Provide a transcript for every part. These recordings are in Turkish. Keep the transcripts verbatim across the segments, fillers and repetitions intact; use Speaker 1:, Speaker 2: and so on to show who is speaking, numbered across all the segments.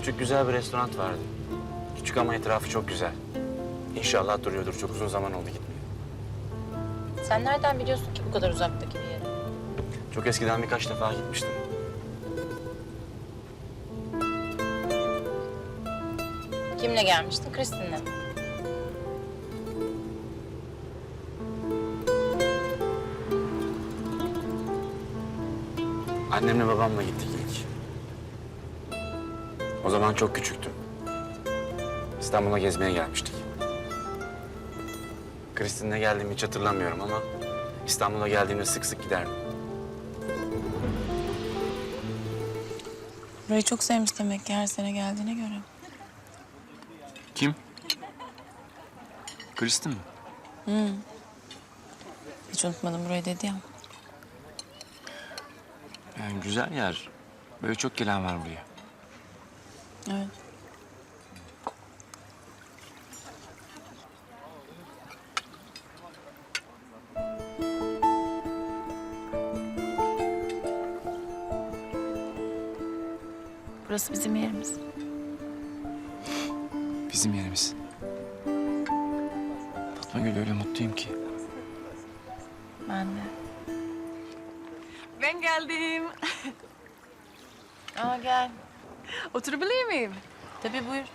Speaker 1: Küçük güzel bir restoran vardı. Küçük ama etrafı çok güzel. İnşallah duruyordur. Çok uzun zaman oldu gitmeye.
Speaker 2: Sen nereden biliyorsun ki bu kadar uzaktaki bir yeri?
Speaker 1: Çok eskiden birkaç defa gitmiştim.
Speaker 2: Kimle gelmiştin? Kristin'le mi?
Speaker 1: Annemle babamla gittik ilk. O zaman çok küçüktüm. İstanbul'a gezmeye gelmiştik. Kristin'le geldiğimi hiç hatırlamıyorum ama İstanbul'a geldiğimde sık sık giderdim.
Speaker 2: Burayı çok sevmiş demek ki her sene geldiğine göre.
Speaker 3: Kim? Kristin mi?
Speaker 2: Hiç unutmadım burayı dedi ya.
Speaker 3: Yani güzel yer. Böyle çok gelen var buraya.
Speaker 2: Evet. Burası bizim yerimiz.
Speaker 3: Bizim yerimiz. Fatma Gül, öyle mutluyum ki.
Speaker 2: Ben de.
Speaker 4: Ben geldim.
Speaker 2: Aa gel.
Speaker 4: Oturabilir miyim?
Speaker 2: Tabii buyur.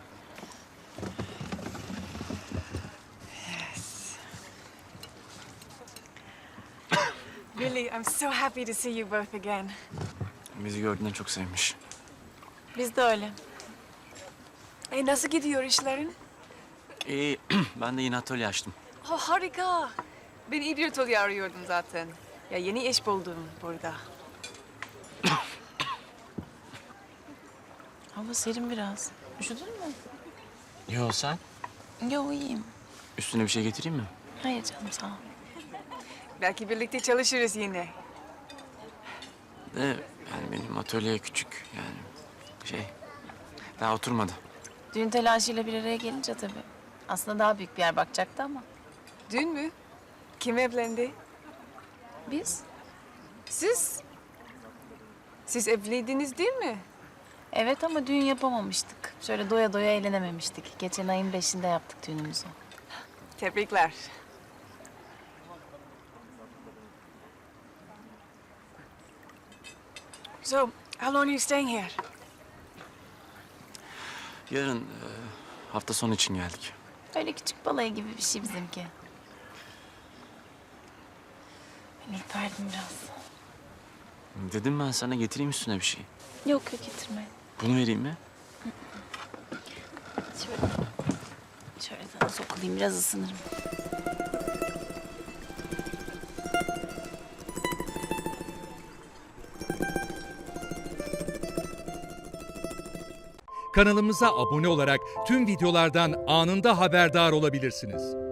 Speaker 4: Really, I'm so happy to see you both again.
Speaker 3: Bizi gördüğünden çok sevmiş.
Speaker 2: Biz de öyle.
Speaker 4: E nasıl gidiyor işlerin?
Speaker 3: İyi, ben de yine atölye açtım.
Speaker 4: Oh, harika. Ben İdrotol'u arıyordum zaten. Ya yeni iş buldum burada.
Speaker 2: Hava serin biraz. Üşüdün mü?
Speaker 3: Yo, sen?
Speaker 2: Yo iyiyim.
Speaker 3: Üstüne bir şey getireyim mi?
Speaker 2: Hayır canım sağ ol.
Speaker 4: Belki birlikte çalışırız yine.
Speaker 3: De yani benim atölye küçük yani şey daha oturmadı.
Speaker 2: Düğün telaşıyla bir araya gelince tabii. Aslında daha büyük bir yer bakacaktı ama.
Speaker 4: Dün mü? Kim evlendi?
Speaker 2: Biz?
Speaker 4: Siz? Siz evliydiniz değil mi?
Speaker 2: Evet ama düğün yapamamıştık. Şöyle doya doya eğlenememiştik. Geçen ayın beşinde yaptık düğünümüzü.
Speaker 4: Tebrikler. So, how long are you staying here?
Speaker 3: Yarın e, hafta sonu için geldik.
Speaker 2: Öyle küçük balayı gibi bir şey bizimki. Ben ürperdim biraz.
Speaker 3: Dedim ben sana getireyim üstüne bir şey.
Speaker 2: Yok yok getirme.
Speaker 3: Bunu vereyim mi?
Speaker 2: Şöyle, şöyle sana sokulayım biraz ısınırım.
Speaker 5: Kanalımıza abone olarak tüm videolardan anında haberdar olabilirsiniz.